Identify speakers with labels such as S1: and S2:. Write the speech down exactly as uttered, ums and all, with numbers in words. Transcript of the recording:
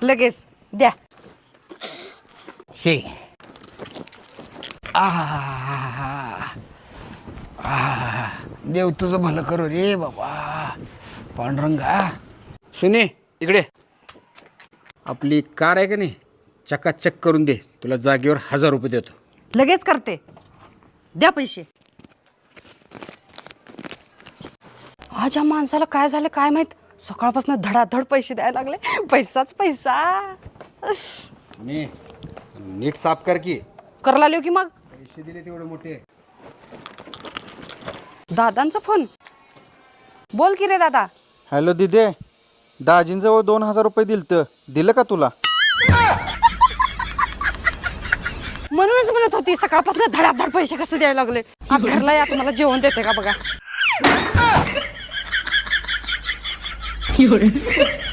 S1: लगेच द्या.
S2: शे आहा आहा देव तुझं भलं करू रे बाबा पांडुरंगा. सुने इकडे, आपली कार आहे का नाही चकाचक करून दे, तुला जागेवर हजार रुपये देतो.
S1: लगेच करते, द्या पैसे. आज या माणसाला काय झालं काय माहित, सकाळपासून धडाधड पैसे द्यायला लागले. पैसाच पैसा.
S2: सुने नीट साफ कर की.
S1: करायला लिहो की मग.
S2: पैसे दिले तेवढे मोठे.
S1: दादांचा फोन. बोल की रे दादा.
S3: हॅलो दिदे, दाजींजवळ दोन हजार रुपये दिलत, दिलं का तुला?
S1: म्हणूनच म्हणत होती सकाळपासून धडाधड पैसे कसे द्यायला लागले. आज घरला या, तुम्हाला जेवण देते का बघा.